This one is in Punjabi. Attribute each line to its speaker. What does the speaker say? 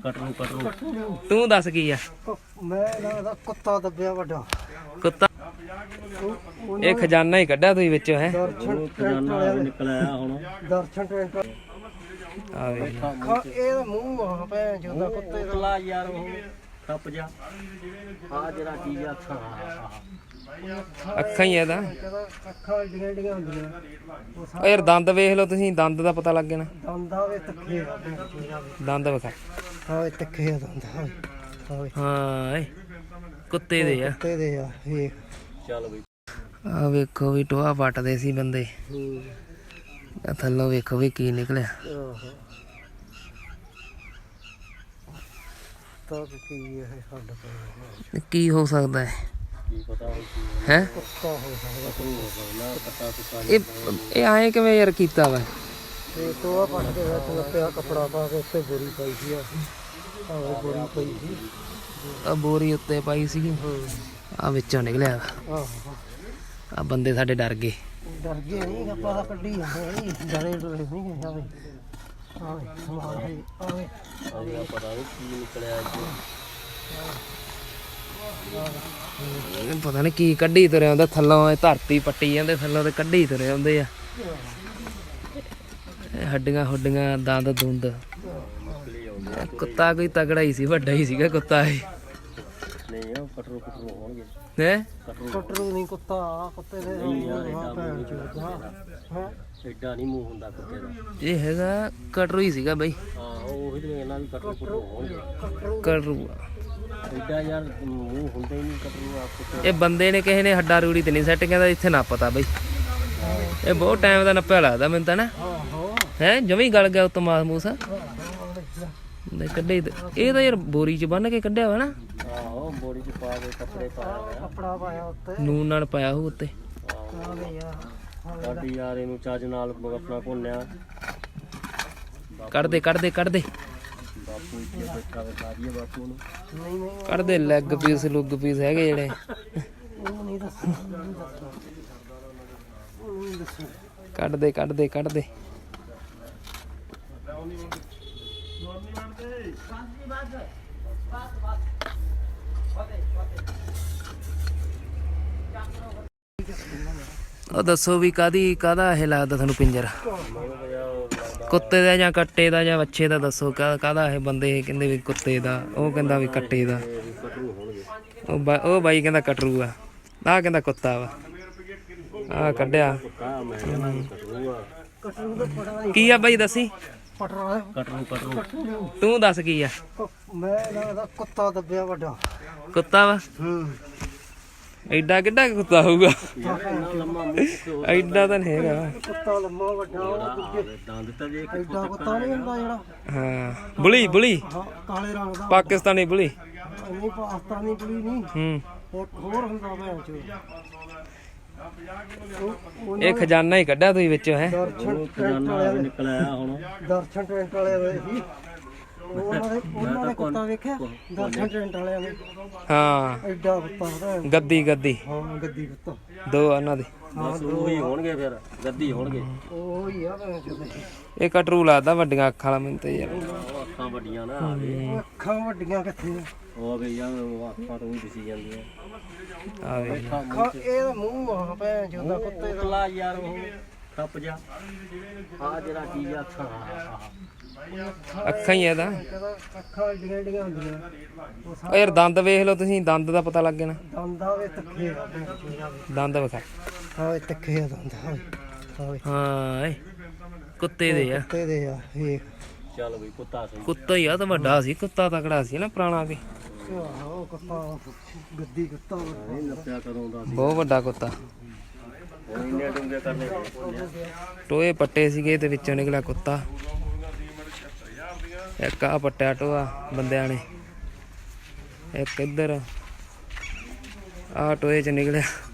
Speaker 1: ਕਟਰੂ ਤੂੰ ਦੱਸ ਕੀ ਆ?
Speaker 2: ਮੈਂ ਲੱਗਦਾ ਕੁੱਤਾ ਦੱਬਿਆ ਵੱਡਾ
Speaker 1: ਕੁੱਤਾ। ਇਹ ਖਜ਼ਾਨਾ ਹੀ ਕੱਢਿਆ ਤੁਸੀਂ ਵਿੱਚੋਂ ਹੈ।
Speaker 2: ਖਜ਼ਾਨਾ ਨਿਕਲਿਆ ਹੁਣ ਦਰਸ਼ਨ ਟੈਂਟ
Speaker 1: ਆ ਵੇ
Speaker 2: ਇਹ ਮੂੰਹ ਆ ਭੈਣ ਚੋਦਾ ਕੁੱਤੇ ਦਾ
Speaker 3: ਯਾਰ ਉਹ ਟੱਪ ਜਾ ਆ ਜਿਹੜਾ ਚੀਜ਼ ਅੱਖਾਂ
Speaker 1: ਅੱਖਾਂ ਹੀ ਇਹਦਾ।
Speaker 2: ਅੱਖਾਂ ਏਡੀਆਂ ਏਡੀਆਂ ਹੁੰਦੀਆਂ
Speaker 1: ਓ ਯਾਰ ਦੰਦ ਵੇਖ ਲਓ ਤੁਸੀਂ, ਦੰਦ ਦਾ ਪਤਾ ਲੱਗ ਜਾਣਾ।
Speaker 2: ਦੰਦਾਂ ਵੇ ਤੱਕੇ ਆ
Speaker 1: ਦੰਦ ਵਿਖਾ।
Speaker 2: ਹਾਂ ਇਹ ਤੱਕੇ ਆ ਦੰਦ
Speaker 1: ਹਾਂ ਏ ਕੁੱਤੇ ਦੇ ਆ।
Speaker 2: ਕੁੱਤੇ ਦੇ ਆ ਵੇਖ।
Speaker 3: ਚੱਲ ਬਈ
Speaker 1: ਆ ਵੇਖੋ ਵੀ ਟੋਆ ਪੱਟਦੇ ਸੀ ਬੰਦੇ। ਆ ਥੱਲੋਂ ਵੇਖੋ ਵੀ ਕੀ ਨਿਕਲਿਆ।
Speaker 2: ਤਾਂ ਕੀ ਹੈ ਸਾਡਾ
Speaker 1: ਕੀ ਹੋ ਸਕਦਾ ਹੈ?
Speaker 3: ਕੀ ਪਤਾ
Speaker 1: ਹੈ
Speaker 2: ਕੁੱਤਾ ਹੋ ਸਕਦਾ
Speaker 1: ਇਹ ਆਏ ਕਿਵੇਂ ਯਾਰ ਕੀਤਾ ਵਾ?
Speaker 2: ਤੇ ਟੋਆ ਪੱਟ ਕੇ ਵਿੱਚ ਲੱਪਿਆ ਕੱਪੜਾ ਪਾ ਕੇ ਉੱਤੇ ਬੋਰੀ ਪਾਈ ਸੀ ਆਹ ਬੋਰੀ ਪਈ ਸੀ
Speaker 1: ਆ ਬੋਰੀ ਉੱਤੇ ਪਾਈ ਸੀਗੀ। ਆ ਵਿੱਚੋਂ ਨਿਕਲਿਆ ਵਾ।
Speaker 2: ਆਹੋ
Speaker 1: ਆ ਬੰਦੇ ਸਾਡੇ ਡਰ ਗਏ।
Speaker 2: ਡਰ ਗਏ ਨਹੀਂ ਆਪਾਂ ਤਾਂ ਕੱਢੀ ਜਾਂਦੇ ਡਰੇ ਡਰੇ ਨਹੀਂ ਗਏ ਆਵੇ ਆਵੇ ਸਮਾਨ ਹੈ ਆਵੇ
Speaker 3: ਆਵੇ ਪਤਾ ਨਹੀਂ ਕੀ ਨਿਕਲਿਆ
Speaker 1: ਪਤਾ ਨਹੀਂ ਕੀ ਕੱਢੀ ਤੁਰੇ ਆਉਂਦਾ ਥੱਲੋਂ। ਇਹ ਧਰਤੀ ਪੱਟੀ ਜਾਂਦੇ ਥੱਲੋਂ ਤੇ ਕੱਢੀ ਤੁਰੇ ਆਉਂਦੇ ਆ। ਹੱਡੀਆਂ ਹੁੱਡੀਆਂ ਦੰਦ ਦੁੰਦ। ਕੁੱਤਾ ਕੋਈ ਤਗੜਾ ਹੀ ਸੀ, ਵੱਡਾ ਹੀ ਸੀਗਾ ਕੁੱਤਾ ਇਹ।
Speaker 3: ਨਹੀਂ ਉਹ ਕਟਰੂ ਹੋਣਗੇ
Speaker 1: ਹੈ
Speaker 2: ਕਟਰੂ ਨਹੀਂ ਕੁੱਤਾ ਕੁੱਤੇ ਦੇ ਭੈਣ ਚੋਦਾ ਹੈ
Speaker 3: ਐਡਾ ਨਹੀਂ ਮੂੰਹ ਹੁੰਦਾ ਕੁੱਤੇ ਦਾ।
Speaker 1: ਇਹ ਹੈਗਾ ਕਟਰੂ ਹੀ ਸੀਗਾ ਬਈ।
Speaker 3: ਹਾਂ ਉਹੀ ਤੇ ਇਹਨਾਂ ਵੀ ਕਟਰੂ ਹੋਣਗੇ।
Speaker 1: ਕਟਰੂ
Speaker 3: ਐਡਾ ਯਾਰ ਮੂੰਹ ਹੁੰਦਾ ਹੀ ਨਹੀਂ ਕਟਰੂ ਆ ਕੁੱਤੇ।
Speaker 1: ਇਹ ਬੰਦੇ ਨੇ ਕਿਸੇ ਨੇ ਹੱਡਾ ਰੂੜੀ ਤੇ ਨਹੀਂ ਸੈੱਟ ਕਹਿੰਦਾ ਇੱਥੇ ਨਾ ਪਤਾ ਬਈ। ਇਹ ਬਹੁਤ ਟਾਈਮ ਦਾ ਨੱਪਿਆ ਲੱਗਦਾ ਮੈਨੂੰ ਤਾਂ ਨਾ। ਹੈ ਜਮੀ ਗਲ ਗਿਆ ਉੱਤੋਂ ਮਾਸ ਮੂਸ ਕੱਢੇ। ਇਹ ਤਾਂ ਯਾਰ ਬੋਰੀ ਚ ਬੰਨ ਕੇ ਕੱਢਿਆ ਵਾ ਨਾ।
Speaker 3: ਆਹੋ ਬੋਰੀ ਚ ਪਾ ਕੇ ਕੱਪੜੇ ਪਾਇਆ
Speaker 2: ਕੱਪੜਾ ਪਾਇਆ ਉੱਤੇ
Speaker 1: ਨੂਨ ਨਾਲ ਪਾਇਆ ਹੋ ਉੱਤੇ।
Speaker 2: ਆਵੇ ਯਾਰ
Speaker 3: ਸਾਡੀ ਯਾਰ ਇਹਨੂੰ ਚੱਜ ਨਾਲ ਆਪਣਾ ਭੁੰਨਿਆ।
Speaker 1: ਕੱਢਦੇ ਕੱਢਦੇ ਕੱਢਦੇ
Speaker 3: ਬਾਪੂ ਇੱਥੇ ਬੈਠਾ ਵੇ ਸਾਰੀਏ ਬਾਪੂ ਨੂੰ।
Speaker 2: ਨਹੀਂ ਨਹੀਂ
Speaker 1: ਕੱਢਦੇ ਲੈਗ ਪੀਸ ਲੁੱਗ ਪੀਸ ਹੈਗੇ ਜਿਹੜੇ।
Speaker 2: ਉਹ ਨਹੀਂ ਦੱਸਣਾ ਉਹ ਨਹੀਂ ਦੱਸਣਾ
Speaker 1: ਕੱਢਦੇ ਕੱਢਦੇ ਕੱਢਦੇ। ਉਹ ਦੱਸੋ ਵੀ ਕਾਹਦਾ ਇਹ ਲੱਗਦਾ ਤੁਹਾਨੂੰ ਪਿੰਜਰ? ਕੁੱਤੇ ਦਾ ਜਾਂ ਕੱਟੇ ਦਾ ਜਾਂ ਵੱਛੇ ਦਾ? ਦੱਸੋ ਕਾਹਦਾ ਇਹ? ਬੰਦੇ ਕਹਿੰਦੇ ਵੀ ਕੁੱਤੇ ਦਾ, ਉਹ ਕਹਿੰਦਾ ਵੀ ਕੱਟੇ ਦਾ। ਉਹ ਬਾਈ ਕਹਿੰਦਾ ਕਟਰੂ ਆ, ਆਹ ਕਹਿੰਦਾ ਕੁੱਤਾ ਵਾ। ਆਹ ਕੱਢਿਆ ਕੀ ਆ ਬਾਈ ਦੱਸੀ?
Speaker 2: ਕਟਰੂ
Speaker 1: ਤੂੰ ਦੱਸ ਕੀ ਆ?
Speaker 2: ਮੈਂ ਲੱਗਦਾ ਕੁੱਤਾ ਦੱਬਿਆ ਵੱਡਾ
Speaker 1: ਕੁੱਤਾ ਵਾ। ਐਡਾ ਕਿੱਡਾ ਕੁੱਤਾ ਹੋਊਗਾ? ਐਡਾ ਤਾਂ ਨਹੀਂ ਹੈਗਾ।
Speaker 2: ਕੁੱਤਾ ਲੰਮਾ ਵੱਡਾ ਉਹ ਦੂਜੇ
Speaker 3: ਦੰਦ ਤਾਂ ਵੇਖ
Speaker 2: ਐਡਾ ਕੁੱਤਾ ਨਹੀਂ ਹੁੰਦਾ ਜਿਹੜਾ
Speaker 1: ਹਾਂ ਬੁਲੀ ਬੁਲੀ
Speaker 2: ਹਾਂ ਕਾਲੇ ਰੰਗ ਦਾ
Speaker 1: ਪਾਕਿਸਤਾਨੀ ਬੁਲੀ।
Speaker 2: ਨਹੀਂ ਪਾਕਿਸਤਾਨੀ ਕੁੜੀ ਨਹੀਂ ਇੱਕ ਹੋਰ ਹੁੰਦਾ ਭੈਣ ਚੋ।
Speaker 1: ਇਹ ਖਜ਼ਾਨਾ ਹੀ ਕੱਢਿਆ ਤੁਸੀਂ ਵਿੱਚੋਂ ਹੈ।
Speaker 2: ਦਰਸ਼ਨ
Speaker 3: ਖਜ਼ਾਨਾ ਨਿਕਲਿਆ ਹੁਣ
Speaker 2: ਦਰਸ਼ਨ ਟੈਂਟ ਵਾਲੇ ਹੋਏ ਸੀ ਉਹਨਾਂ ਦੇ ਕੁੱਤਾ ਵੇਖਿਆ ਦਰਸ਼ਨ ਟੈਂਟ ਵਾਲਿਆਂ ਨੇ।
Speaker 1: ਹਾਂ
Speaker 2: ਐਡਾ ਕੁੱਤਾ ਭੈਣ
Speaker 1: ਗੱਦੀ ਗੱਦੀ
Speaker 2: ਹਾਂ ਗੱਦੀ ਕੁੱਤਾ
Speaker 1: ਦੋ ਉਹਨਾਂ ਦੇ।
Speaker 3: ਬਸ ਉਹੀ ਹੋਣਗੇ ਫਿਰ ਗੱਦੀ ਹੋਣਗੇ।
Speaker 2: ਉਹ ਹੀ ਆ ਭੈਣ ਚੋ।
Speaker 1: ਇਹ ਕਟਰੂ ਲੱਗਦਾ ਵੱਡੀਆਂ ਅੱਖਾਂ ਵਾਲਾ ਮੈਨੂੰ ਤੇ ਯਾਰ।
Speaker 3: ਉਹ ਅੱਖਾਂ ਵੱਡੀਆਂ ਨਾ
Speaker 2: ਅੱਖਾਂ ਵੱਡੀਆਂ ਕਿੱਥੇ ਆ?
Speaker 3: ਉਹ ਗਈ ਯਾਰ ਉਹ ਅੱਖਾਂ ਤੋਂ ਹੀ ਦਿਸੀ ਜਾਂਦੀਆਂ।
Speaker 1: ਆ ਵੇ
Speaker 2: ਅੱਖਾਂ ਇਹ ਮੂੰਹ ਆ ਭੈਣ ਚੋਦਾ ਕੁੱਤੇ ਦਾ
Speaker 3: ਯਾਰ ਉਹ ਟੱਪ ਜਾ ਆ ਜਿਹੜਾ ਚੀਜ਼ ਅੱਖਾਂ
Speaker 1: ਅੱਖਾਂ ਹੀ ਇਹਦਾ।
Speaker 2: ਅੱਖਾਂ ਏਡੀਆਂ ਏਡੀਆਂ ਹੁੰਦੀਆਂ
Speaker 1: ਓ ਯਾਰ ਦੰਦ ਵੇਖ ਲਓ ਤੁਸੀਂ, ਦੰਦ ਦਾ ਪਤਾ ਲੱਗ ਜਾਣਾ।
Speaker 2: ਦੰਦਾਂ ਵੇ ਤੱਕੇ ਆ ਭੈਣ ਚੋਦਾ
Speaker 1: ਦੰਦ ਵਿਖਾ।
Speaker 2: ਹਾਂ ਇਹ ਤੱਕੇ ਆ ਦੰਦ
Speaker 1: ਹਾਂ ਏ ਕੁੱਤੇ ਦੇ ਆ।
Speaker 2: ਕੁੱਤੇ ਦੇ ਆ ਵੇਖ।
Speaker 3: ਚੱਲ ਬਈ ਕੁੱਤਾ ਸਹੀ।
Speaker 1: ਕੁੱਤਾ ਹੀ ਆ ਤਾਂ ਵੱਡਾ ਸੀ, ਕੁੱਤਾ ਤਕੜਾ ਸੀ ਨਾ ਪੁਰਾਣਾ ਵੀ।
Speaker 2: ਆਹੋ ਕੁੱਤਾ ਗੱਦੀ ਕੁੱਤਾ
Speaker 3: ਨਹੀਂ ਨੱਪਿਆ ਕਦੋਂ ਦਾ
Speaker 1: ਬਹੁਤ ਵੱਡਾ ਕੁੱਤਾ।
Speaker 3: ਹੁਣ ਇੰਨੇ ਡੂੰਘੇ ਕਰਨੇ
Speaker 1: ਟੋਏ ਪੱਟੇ ਸੀਗੇ ਤੇ ਵਿੱਚੋਂ ਨਿਕਲਿਆ ਕੁੱਤਾ। ਇੱਕ ਆ ਪੱਟਿਆ ਟੋਆ ਬੰਦਿਆਂ ਨੇ, ਇੱਕ ਇੱਧਰ ਆ ਟੋਏ ਚ ਨਿਕਲਿਆ।